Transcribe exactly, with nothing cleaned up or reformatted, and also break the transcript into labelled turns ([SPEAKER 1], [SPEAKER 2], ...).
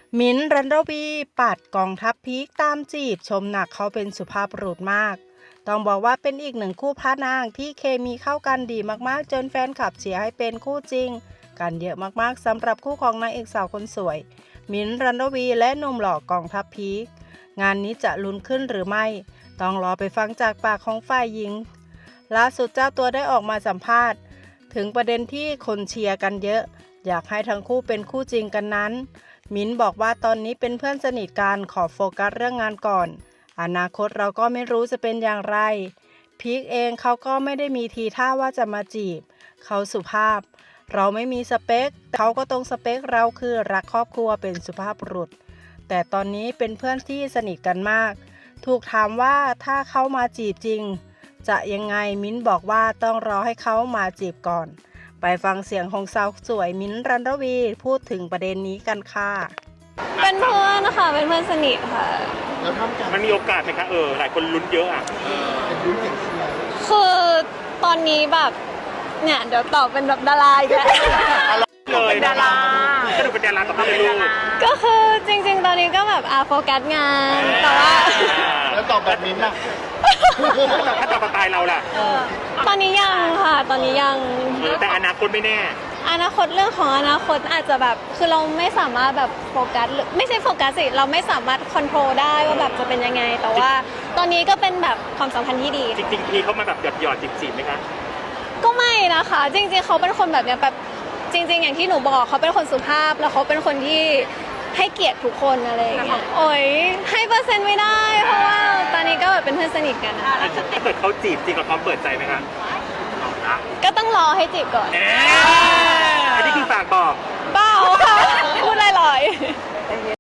[SPEAKER 1] มิ้นท์ รันรวีปัดกองทัพพีคตามจีบชมหนักเขาเป็นสุภาพบุรุษมาก ต้องบอกว่าเป็นอีกหนึ่งคู่พระนางที่เคมีเข้ากันดีมากๆจนแฟนคลับเชียร์ให้เป็นคู่จริงกันเยอะมากๆสำหรับคู่ของนางเอกสาวคนสวย มิ้นท์ รันรวีและหนุ่มหล่อกองทัพพีคงานนี้จะลุ้นขึ้นหรือไม่ต้องรอไปฟังจากปากของฝ่ายหญิงล่าสุดเจ้าตัวได้ออกมาสัมภาษณ์ถึงประเด็นที่คนเชียร์กันเยอะอยากให้ทั้งคู่เป็นคู่จริงกันนั้นมิ้นบอกว่าตอนนี้เป็นเพื่อนสนิทกันขอโฟกัสเรื่องงานก่อนอนาคตเราก็ไม่รู้จะเป็นอย่างไรพีคเองเขาก็ไม่ได้มีทีท่าว่าจะมาจีบเขาสุภาพเราไม่มีสเปคเขาก็ตรงสเปคเราคือรักครอบครัวเป็นสุภาพบุรุษแต่ตอนนี้เป็นเพื่อนที่สนิทกันมากถูกถามว่าถ้าเขามาจีบจริงจะยังไงมิ้นบอกว่าต้องรอให้เขามาจีบก่อนไปฟังเสียงของสาวสวยมิ้นท์ รันรวีพูดถึงประเด็นนี้กันค่ะ
[SPEAKER 2] เป็นเพื่อนนะคะเป็นเพื่อนสนิทค่ะ
[SPEAKER 3] แล้วทำกัน
[SPEAKER 4] มันมีโอกาสไหมคะเออหลายคนลุ้นเยอะอ่ะ
[SPEAKER 3] เป็นรุ่นเด็กเชียร์
[SPEAKER 2] คือตอนนี้แบบเนี่ยเดี๋ยวตอบเป็นแบบดาราอีกแล้ว
[SPEAKER 4] เลยดาราก็ดูเป็นดาราต่อไปเลยลูก
[SPEAKER 2] ก็คือจริงๆตอนนี้ก็แบบอาโฟกัสงานแต่ว่า
[SPEAKER 3] แล้วตอบแบบนี้นะ
[SPEAKER 4] ถ้าต่อมาตายเราล่ะ
[SPEAKER 2] ตอนนี้ยังค่ะตอนนี้ยัง
[SPEAKER 4] แต่อนาคตไม่แน่
[SPEAKER 2] อนาคตเรื่องของอนาคตอาจจะแบบคือเราไม่สามารถแบบโฟกัสหรือไม่ใช่โฟกัสสิเราไม่สามารถคอนโทรลได้ว่าแบบจะเป็นยังไง แต่ว่าตอนนี้ก็เป็นแบบความสัมพันธ์ที่ดี
[SPEAKER 4] จริงๆพี่เขามาแบบหยอดหยอดจีบจีบไหมคะ
[SPEAKER 2] ก็ไม่นะคะ จริงๆเขาเป็นคนแบบเนี้ยแบบจริง ๆ อย่างที่หนูบอกเขาเป็นคนสุภาพแล้วเขาเป็นคนที่ให้เกียรติทุกคนอะไรอย่างเงี้ยโอ้ยให้เปอร์เซ็นต์ไม่ได้เพราะว่าตอนนี้ก็แบบเป็นเพื่อนสนิทกันนะ
[SPEAKER 4] ถ้าเกิดเขาจีบจริงกับความเปิดใจไหมคะ
[SPEAKER 2] ก็ต้องรอให้จีบก่อน
[SPEAKER 4] อันนี้คือฝากบอก
[SPEAKER 2] เปล่าค่ะพูดลอยๆ